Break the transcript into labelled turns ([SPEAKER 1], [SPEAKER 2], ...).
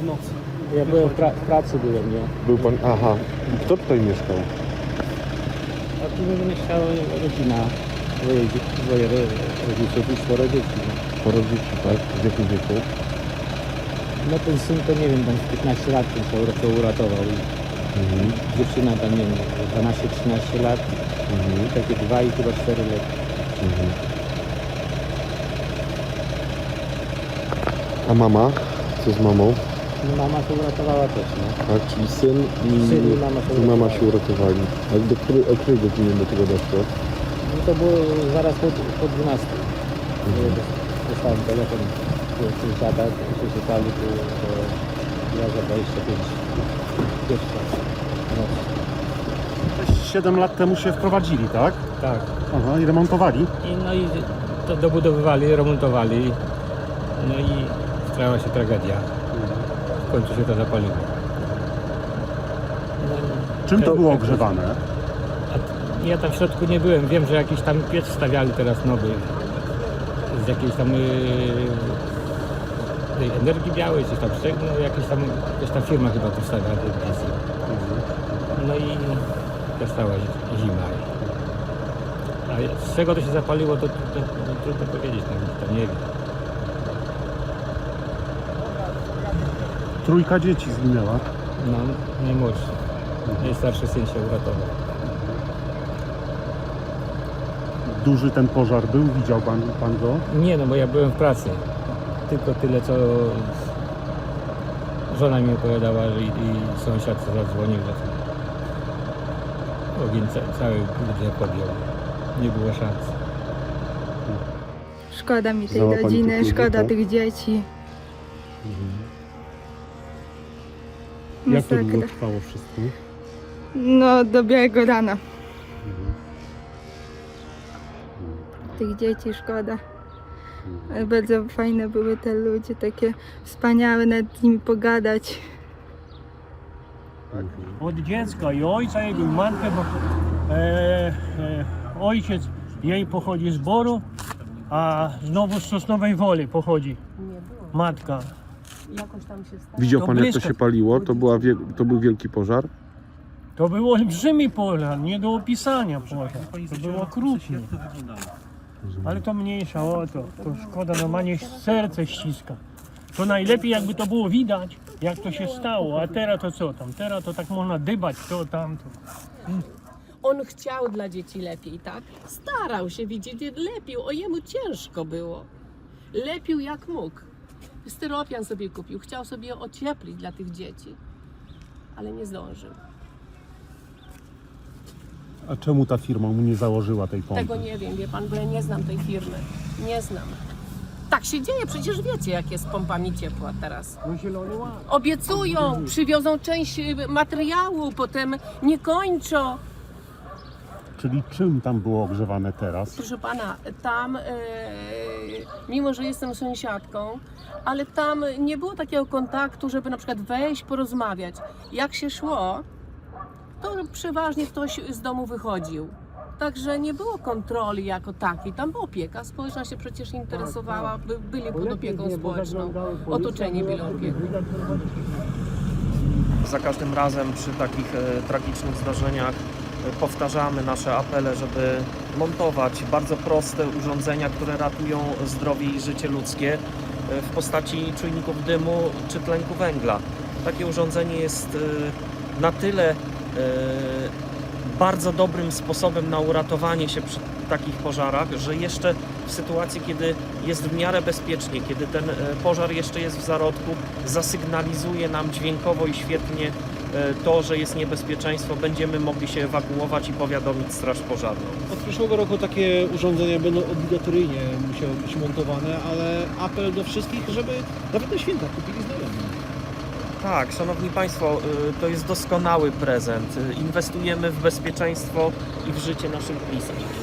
[SPEAKER 1] w nocy.
[SPEAKER 2] Ja byłem w pracy byłem, nie?
[SPEAKER 3] Był pan, aha. Kto tutaj mieszkał?
[SPEAKER 2] A tu mieszkała rodzina, dwoje rodziców i 4 dzieci. No.
[SPEAKER 3] Sporo dzieci, tak? W jakim wieku?
[SPEAKER 2] No ten syn to nie wiem, tam 15 lat ten się uratował. Dziewczyna tam nie wiem, 12-13 lat, takie 2 i chyba 4 lata.
[SPEAKER 3] A mama? Co z mamą?
[SPEAKER 2] No mama się uratowała też, no.
[SPEAKER 3] Tak, czyli syn
[SPEAKER 2] Syn i mama się
[SPEAKER 3] uratowali. A o której godzinie do tego doszło?
[SPEAKER 2] No to było zaraz po 12. Dostałem telefon z żada, że się pali, to ja za 25 pierwsza noc.
[SPEAKER 1] 7 lat temu się wprowadzili, tak?
[SPEAKER 2] Tak.
[SPEAKER 1] Aha, i remontowali.
[SPEAKER 2] No i to dobudowywali, remontowali. No i stała się tragedia. W końcu się to zapaliło. No,
[SPEAKER 1] Czym to było ogrzewane?
[SPEAKER 2] Ja tam w środku nie byłem. Wiem, że jakiś tam piec stawiali teraz nowy. Z jakiejś tam tej energii białej, coś tam no, jakaś tam firma chyba to stawiała tej piec. No i została zima. A z czego to się zapaliło, to trudno powiedzieć, to nie wiem.
[SPEAKER 1] 3 dzieci zginęła.
[SPEAKER 2] No, najmłodszy. Najstarszy syn się uratował.
[SPEAKER 1] Duży ten pożar był? Widział pan go?
[SPEAKER 2] Nie, no bo ja byłem w pracy. Tylko tyle, co żona mi opowiadała, że i sąsiad zadzwonił, że ogień cały budynek podjął. Nie było szans.
[SPEAKER 4] Szkoda mi tej
[SPEAKER 3] Znała pani
[SPEAKER 4] rodziny,
[SPEAKER 3] tych ludzi,
[SPEAKER 4] szkoda
[SPEAKER 3] tak?
[SPEAKER 4] tych dzieci.
[SPEAKER 1] Jak to
[SPEAKER 4] Masakra.
[SPEAKER 1] długo trwało wszystko?
[SPEAKER 4] No, do białego rana. Tych dzieci szkoda. Ale bardzo fajne były te ludzie, takie wspaniałe, nad nimi pogadać.
[SPEAKER 5] Od dziecka i ojca jego, i matkę, bo ojciec jej pochodzi z Boru, a znowu z Sosnowej Woli pochodzi matka.
[SPEAKER 3] Widział
[SPEAKER 5] To
[SPEAKER 3] pan, jak to
[SPEAKER 5] blisko.
[SPEAKER 3] się paliło? To był wielki pożar?
[SPEAKER 5] To był olbrzymi pożar, nie do opisania pożar. To było okrutnie. Ale to mniejsza, to szkoda, normalnie serce ściska. To najlepiej jakby to było widać, jak to się stało, a teraz to co tam? Teraz to tak można dybać to, tamto.
[SPEAKER 6] On chciał dla dzieci lepiej, tak? Starał się widzieć, lepił, o jemu ciężko było. Lepił jak mógł. Styropian sobie kupił, chciał sobie ocieplić dla tych dzieci, ale nie zdążył.
[SPEAKER 1] A czemu ta firma mu nie założyła tej pompy?
[SPEAKER 6] Tego nie wiem, wie pan, bo ja nie znam tej firmy. Nie znam. Tak się dzieje, przecież wiecie, jak jest z pompami ciepła teraz.
[SPEAKER 5] No zielony ład.
[SPEAKER 6] Obiecują, przywiozą część materiału, potem nie kończą.
[SPEAKER 1] Czyli czym tam było ogrzewane teraz?
[SPEAKER 6] Proszę pana, tam, mimo że jestem sąsiadką, ale tam nie było takiego kontaktu, żeby na przykład wejść, porozmawiać. Jak się szło, to przeważnie ktoś z domu wychodził. Także nie było kontroli jako takiej. Tam była opieka społeczna, się przecież interesowała, byli pod opieką społeczną, otoczeni byli opieką.
[SPEAKER 7] Za każdym razem przy takich tragicznych zdarzeniach powtarzamy nasze apele, żeby montować bardzo proste urządzenia, które ratują zdrowie i życie ludzkie w postaci czujników dymu czy tlenku węgla. Takie urządzenie jest na tyle bardzo dobrym sposobem na uratowanie się przy takich pożarach, że jeszcze w sytuacji, kiedy jest w miarę bezpiecznie, kiedy ten pożar jeszcze jest w zarodku, zasygnalizuje nam dźwiękowo i świetnie to, że jest niebezpieczeństwo, będziemy mogli się ewakuować i powiadomić straż pożarną.
[SPEAKER 8] Od przyszłego roku takie urządzenia będą obligatoryjnie musiały być montowane, ale apel do wszystkich, żeby nawet na święta kupili znajomi.
[SPEAKER 7] Tak, szanowni państwo, to jest doskonały prezent. Inwestujemy w bezpieczeństwo i w życie naszych bliskich.